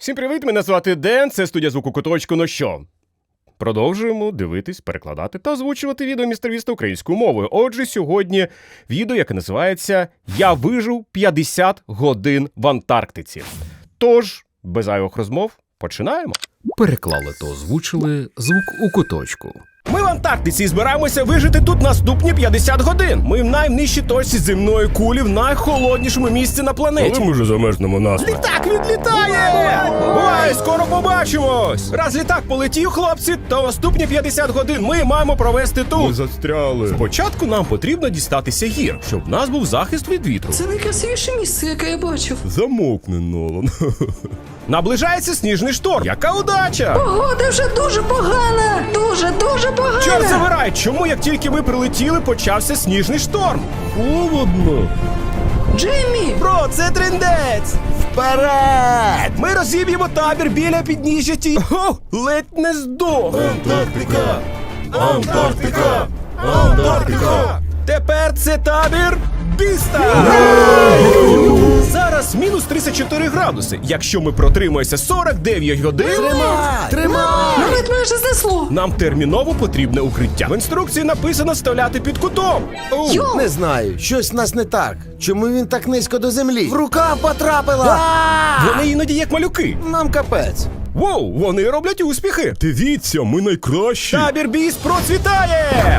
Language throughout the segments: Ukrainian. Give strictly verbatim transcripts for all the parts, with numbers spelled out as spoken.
Всім привіт, мене звати Ден, це студія звуку Куточку. Ну що? Продовжуємо дивитись, перекладати та озвучувати відео містер Віста українською мовою. Отже, сьогодні відео, яке називається «Я вижив п'ятдесят годин в Антарктиці». Тож, без зайвих розмов, починаємо. Переклали та озвучили звук у куточку. Ми в Антарктиці і збираємося вижити тут наступні п'ятдесят годин. Ми в найнижчій точці земної кулі, в найхолоднішому місці на планеті. Коли ми вже замерзнемо нас? Літак відлітає! Бувай, скоро побачимось! Раз літак полетів, хлопці, то наступні п'ятдесят годин ми маємо провести Ми тут. застряли. Спочатку нам потрібно дістатися гір, щоб в нас був захист від вітру. Це найкрасивіше місце, яке я бачив. Замовкни, Нолан. Наближається сніжний шторм. Яка удача! Погода вже дуже погана! Дуже, дуже погана! Чорт забирай, чому як тільки ми прилетіли, почався сніжний шторм? Холодно. Джеймі! Бро, це трындець! Вперед! Ми розіб'ємо табір біля підніжжя ті... О, ледь не здох! Антарктика! Антарктика! Антарктика! Тепер це табір Біста! Зараз мінус тридцять чотири градуси. Якщо ми протримаємося сорок дев'ять годин... Навіть майже знесло! Нам терміново потрібне укриття. В інструкції написано вставляти під кутом. Оу. Йо! Не знаю, щось в нас не так. Чому він так низько до землі? В рукав потрапила! Вони іноді як малюки. Нам капець. Воу, вони роблять успіхи. Дивіться, ми найкращі. Табір Біст процвітає!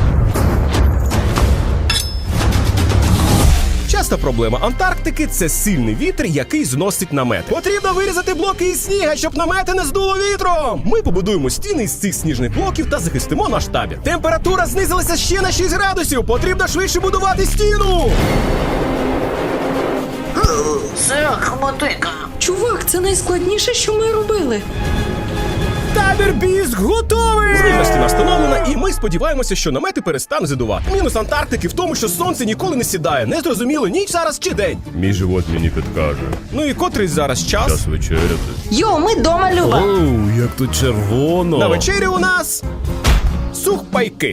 Часта проблема Антарктики – це сильний вітер, який зносить намети. Потрібно вирізати блоки із сніга, щоб намети не здуло вітром. Ми побудуємо стіни із цих сніжних блоків та захистимо наш табір. Температура знизилася ще на шість градусів. Потрібно швидше будувати стіну. Це хмотика. Чувак, це найскладніше, що ми робили. Табір Біст готовий! Зрівна стіна встановлена, і ми сподіваємося, що намети перестануть задувати. Мінус Антарктики в тому, що сонце ніколи не сідає. Не зрозуміло, ніч зараз чи день. Мій живот мені підкаже. Ну і котрий зараз час? Час вечеряти. Йо, ми дома, Люба! Оу, як тут червоно. На вечері у нас сухпайки.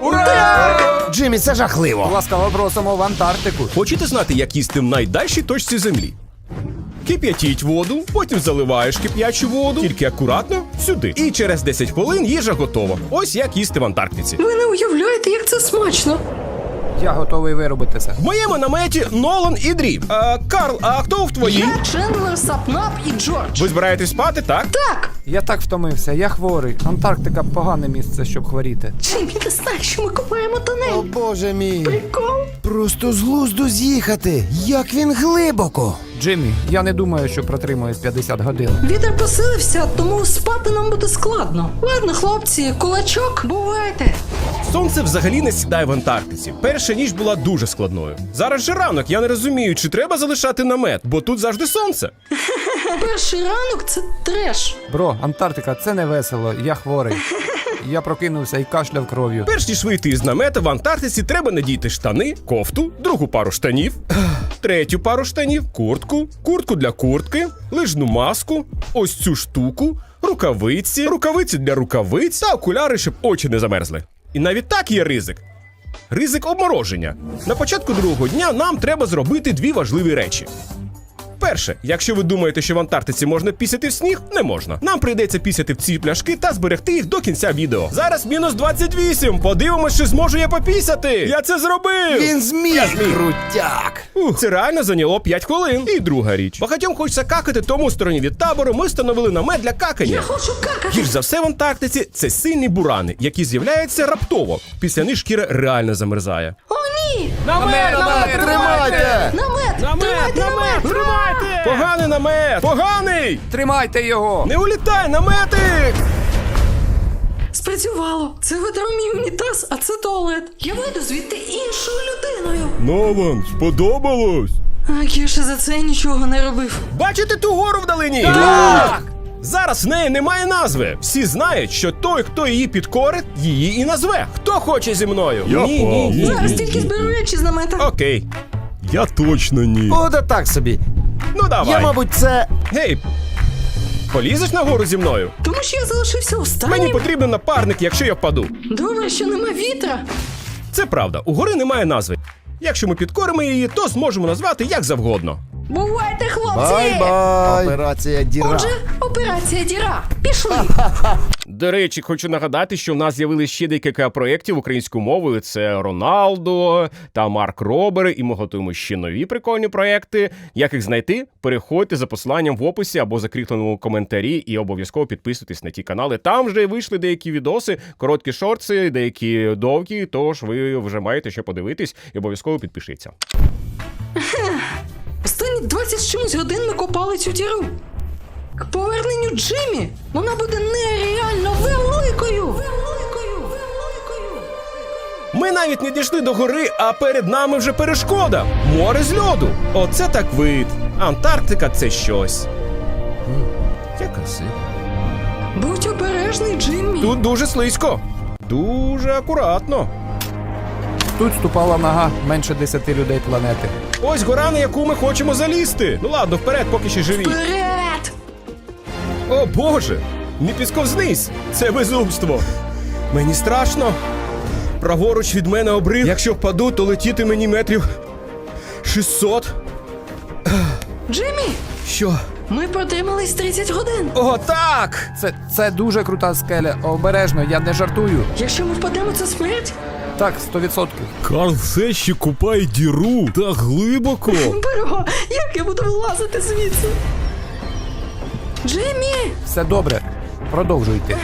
Ура! Джиммі, це жахливо. Ласкаво просимо в Антарктику. Хочете знати, як їсти в найдальшій точці землі? Кип'ятіть воду, потім заливаєш кип'ячу воду, тільки акуратно сюди. І через десять хвилин їжа готова. Ось як їсти в Антарктиці. Ви не уявляєте, як це смачно! Я готовий виробити це. В моєму наметі Нолан і Дрі. А, Карл, а хто в твоїй? Я, Чендлер, Сапнап і Джордж. Ви збираєтесь спати, так? Так! Я так втомився, я хворий. Антарктика погане місце, щоб хворіти. Джеймі, ти знаєш, що ми копаємо О, тунель? боже мій. Прикол! Просто з глузду з'їхати. Як він глибоко. Джиммі, я не думаю, що протримуюсь п'ятдесят годин. Вітер посилився, тому спати нам буде складно. Ладно, хлопці, кулачок, бувайте! Сонце взагалі не сідає в Антарктиці. Перша ніч була дуже складною. Зараз же ранок, я не розумію, чи треба залишати намет, бо тут завжди сонце. Перший ранок – це треш. Бро, Антарктика це не весело, я хворий. Я прокинувся і кашляв кров'ю. Перш ніж вийти із намета в Антарктиці, треба надіти штани, кофту, другу пару штанів, третю пару штанів, куртку, куртку для куртки, лижну маску, ось цю штуку, рукавиці, рукавиці для рукавиць та окуляри, щоб очі не замерзли. І навіть так є ризик. Ризик обмороження. На початку другого дня нам треба зробити дві важливі речі. Перше, якщо ви думаєте, що в Антарктиці можна пісяти в сніг, не можна. Нам прийдеться пісяти в ці пляшки та зберегти їх до кінця відео. Зараз мінус двадцять вісім. Подивимось, чи зможу я попісяти. Я це зробив! Він зміг. Я зміг. Крутяк. Ух, це реально зайняло п'ять хвилин. І друга річ. Багатьом хочеться какати, тому в стороні від табору ми встановили намет для какання. Я хочу какати! Гірш за все в Антарктиці це сильні бурани, які з'являються раптово. Після них шкіра реально замерзає. О, ні! Намет, намет, Тримайте. Намет! Тримайте намет! Тримайте! Поганий намет! Поганий! Тримайте його! Не улітай, наметик! Спрацювало! Це витер мій унітаз, а це туалет. Я вийду звідти іншою людиною. Нолан, сподобалось? А Кіша за це нічого не робив. Бачите ту гору вдалині? Так! Зараз в неї немає назви. Всі знають, що той, хто її підкорить, її і назве. Хто хоче зі мною? Я ні, ні, ні. Зараз ні, тільки ні. зберу речі з намета. Окей. Я точно ні. О, да так собі. Ну давай. Я, мабуть, це... Гей, полізеш на гору зі мною? Тому що я залишився останнім. Мені потрібен напарник, якщо я впаду. Добре, що нема вітра. Це правда, у гори немає назви. Якщо ми підкоримо її, то зможемо назвати як завгодно. Бувайте, хлопці! Бай-бай! Операція діра. Отже, операція діра. Пішли. До речі, хочу нагадати, що в нас з'явилися ще декілька проєктів українською мовою. Це Роналдо та Марк Робери, і ми готуємо ще нові прикольні проєкти. Як їх знайти? Переходьте за посиланням в описі або закріпленому коментарі і обов'язково підписуйтесь на ті канали. Там вже вийшли деякі відоси, короткі шорти, деякі довгі, тож ви вже маєте що подивитись і обов'язково підпишіться. Останні двадцять з чимось годин ми копали цю діру. К поверненню Джиммі вона буде нереально великою. Великою, великою. Ми навіть не дійшли до гори, а перед нами вже перешкода. Море з льоду. Оце так вид. Антарктика – це щось. Як красиво. Будь обережний, Джиммі. Тут дуже слизько. Дуже акуратно. Тут ступала нога менше десяти людей планети. Ось гора, на яку ми хочемо залізти. Ну ладно, вперед, поки ще живі. Вперед! О боже, не підсковзнись. Це безумство. Мені страшно. Праворуч від мене обрив. Якщо впаду, то летіти мені метрів шістсот. Джиммі, Що? ми протримались тридцять годин. О, так! Це, це дуже крута скеля. Обережно, я не жартую. Якщо ми впадемо, це смерть? Так, сто відсотків. Карл все ще купає діру так глибоко. Бро, як я буду вилазити звідси? Джиммі! Все добре. Продовжуйте.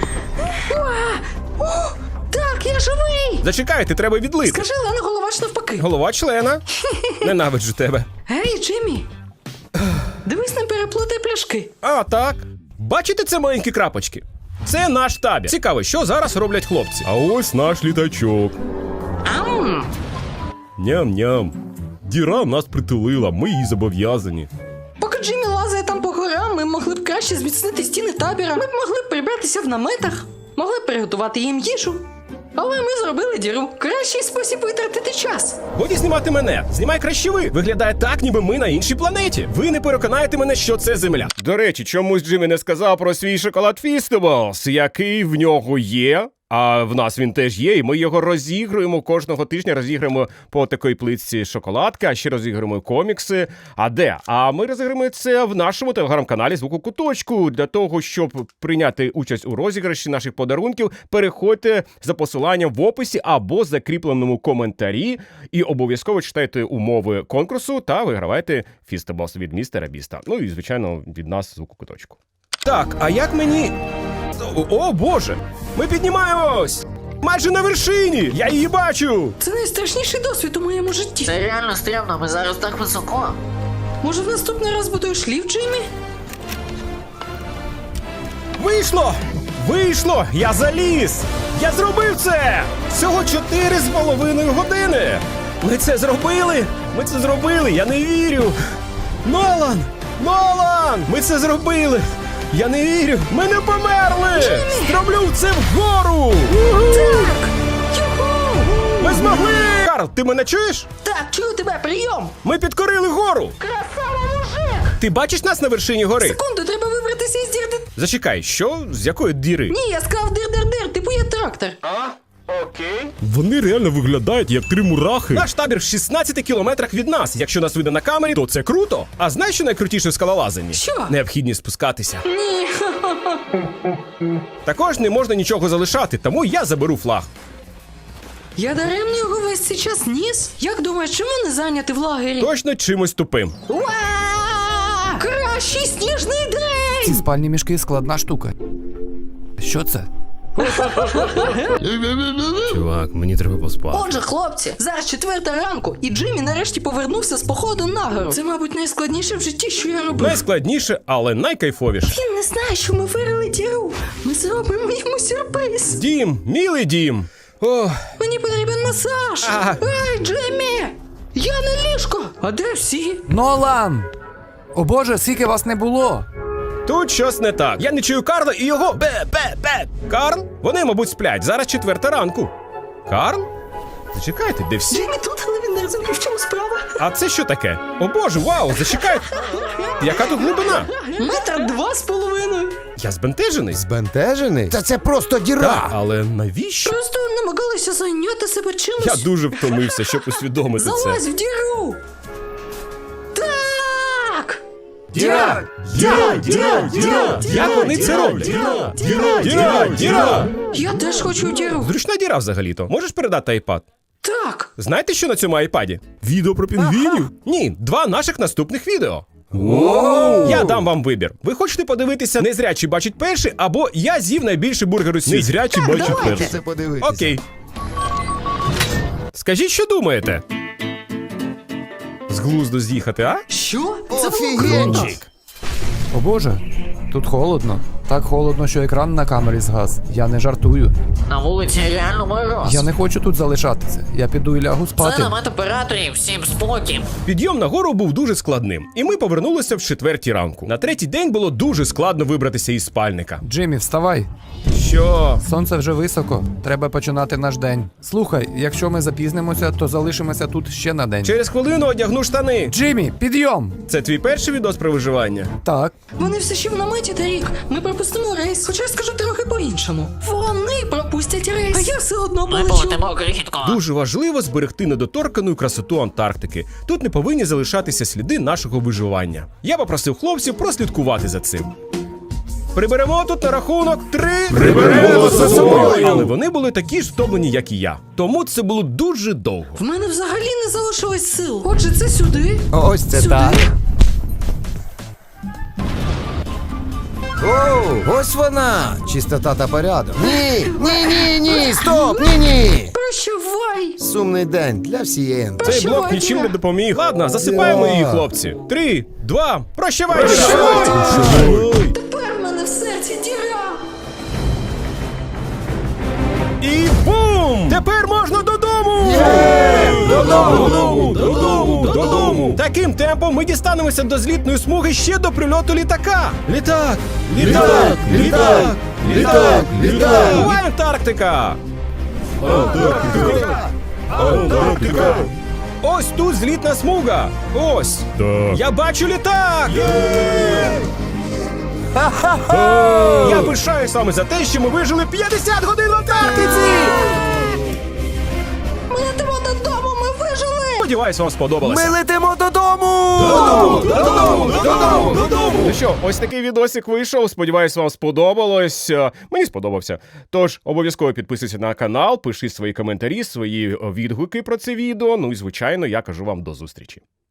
О, так, я живий! Зачекайте, треба відлити. Скажи, Лена Головач навпаки. Голова члена. Ненавиджу тебе. Гей, Джиммі! Дивись, не переплутай пляшки. А, так. Бачите це маленькі крапочки? Це наш табір. Цікаво, що зараз роблять хлопці. А ось наш літачок. Ам! Ням-ням. Діра нас притулила, ми їй зобов'язані. Поки Джиммі лазає там по горам, ми могли б краще зміцнити стіни табіра. Ми б могли б прибратися в наметах, могли б приготувати їм їжу. Але ми зробили діру. Кращий спосіб витратити час. Годі знімати мене. Знімай краще ви. Виглядає так, ніби ми на іншій планеті. Ви не переконаєте мене, що це Земля. До речі, чомусь Джиммі не сказав про свій шоколад Фістеблс, який в нього є. А в нас він теж є, і ми його розігруємо кожного тижня, розіграємо по такій плитці шоколадки, а ще розіграємо комікси. А де? А ми розіграємо це в нашому телеграм-каналі «Звуку Куточку». Для того, щоб прийняти участь у розіграші наших подарунків, переходьте за посиланням в описі або закріпленому коментарі і обов'язково читайте умови конкурсу та вигравайте Фістеблс від містера Біста. Ну і, звичайно, від нас «Звуку Куточку». Так, а як мені... О, о, боже! Ми піднімаємось! Майже на вершині! Я її бачу! Це найстрашніший досвід у моєму житті. Це реально стрімно, ми зараз так високо. Може, в наступний раз будуєш ліфт, Джиммі? Вийшло! Вийшло! Я заліз! Я зробив це! Всього чотири з половиною години! Ми це зробили! Ми це зробили! Я не вірю! Нолан! Нолан! Ми це зробили! Я не вірю! Ми не померли! Зроблю це вгору! Так! Юху! Ми змогли! Карл, ти мене чуєш? Так, чую тебе, прийом! Ми підкорили гору! Красава, мужик! Ти бачиш нас на вершині гори? Секунду, треба вибратися із дірди. Зачекай, що? З якої діри? Ні, я сказав дир-дир-дир, типу є трактор. Вони реально виглядають як три мурахи. Наш табір в шістнадцяти кілометрах від нас. Якщо нас видно на камері, то це круто. А знаєш, що найкрутіше в скалолазанні? Що? Необхідність спускатися. Ні. Також не можна нічого залишати, тому я заберу флаг. Я даремно його весь цей час ніс? Як думаєш, чому не зайняти в лагері? Точно чимось тупим. Уа! Кращий сніжний Ці день! спальні мішки складна штука. Що це? Чувак, мені треба поспати. Отже, хлопці, зараз четверта ранку, і Джиммі нарешті повернувся з походу на гору. Це, мабуть, найскладніше в житті, що я робив. Найскладніше, але найкайфовіше. Він не знає, що ми вирили діру. Ми зробимо йому сюрприз. Дім, мілий дім. О, Мені потрібен масаж. Ага. Ей, Джиммі! Я на ліжко. А де всі? Нолан! О боже, скільки вас не було! тут щось не так. Я не чую Карла і його бе-бе-бе. Карл? Вони, мабуть, сплять. Зараз четверта ранку. Карл? Зачекайте, де всі? Джиммі тут, але він не розуміє, в чому справа. А це що таке? О боже, вау, зачекайте. Яка тут глибина? Метр два з половиною. Я збентежений. Збентежений? Та це просто діра. Так, але навіщо? Просто намагалися зайняти себе чимось. Я дуже втомився, щоб усвідомити це. Залазь в діру. Так! Діра! Діра! Діра! Діра! Як вони це роблять? Діра! Діра! Діра! Я теж хочу діру. Зручна діра взагалі-то. Можеш передати айпад? Так. Знаєте, що на цьому айпаді? Відео про пінгвінів? Ні, два наших наступних відео. Я дам вам вибір. Ви хочете подивитися «Незрячий бачить перший» або «Я з'їв найбільший бургер у світі». Незрячий бачить давайте. перший. Це подивитися. Окей. Скажіть, що думаєте? З глузду з'їхати, а? Що? Це було круто. Офігенчик! О боже, тут холодно. Так холодно, що екран на камері згас. Я не жартую. На вулиці реально мороз. Я не хочу тут залишатися. Я піду і лягу Це спати. намет операторів, всім спокій. Підйом на гору був дуже складним, і ми повернулися в четвертій ранку. На третій день було дуже складно вибратися із спальника. Джиммі, вставай. Що? Сонце вже високо. Треба починати наш день. Слухай, якщо ми запізнимося, то залишимося тут ще на день. Через хвилину одягну штани. Джиммі, підйом! Це твій перший відос про виживання? Так. Вони все ще в наметі, Тарік. Ми пропустимо рейс, хоча я скажу трохи по-іншому. Вони пропустять рейс, а я все одно Ми полечу. полетимо крихітко. Дуже важливо зберегти недоторкану красоту Антарктики. Тут не повинні залишатися сліди нашого виживання. Я попросив хлопців прослідкувати за цим. Приберемо тут на рахунок три. Приберемо за собою. Але вони були такі ж втомлені, як і я. Тому це було дуже довго. В мене взагалі не залишилось сил. Отже, це сюди. Ось це Сюди. так. О, ось вона! Чистота та порядок. Ні, ні, ні, ні, стоп, ні, ні! Прощавай. Сумний день для всієї. Цей блок Прощавай, нічим Діра. не допоміг. Ладно, засипаємо її, хлопці. Три, два, прощавай! Тепер в мене в серці діра. І бум! Тепер можна додому! Додому! Додому, додому, додому! Таким темпом ми дістанемося до злітної смуги ще до прильоту літака. Літак! Літак! Літак! Літак! Літак! Бувай, Антарктика! Антарктика! Антарктика! Ось тут злітна смуга! Ось! Так. Я бачу літак! Я пишаюсь вами за те, що ми вижили п'ятдесят годин в Антарктиці! Ми летимо додому, ми вижили. Сподіваюсь, вам сподобалося. Ми летимо додому! Додому, додому, додому, додому. Ну що, ось такий відосик вийшов. Сподіваюсь, вам сподобалось. Е, Мені сподобався. Тож обов'язково підписуйся на канал, пиши свої коментарі, свої е, відгуки про це відео. Ну і звичайно, я кажу вам до зустрічі.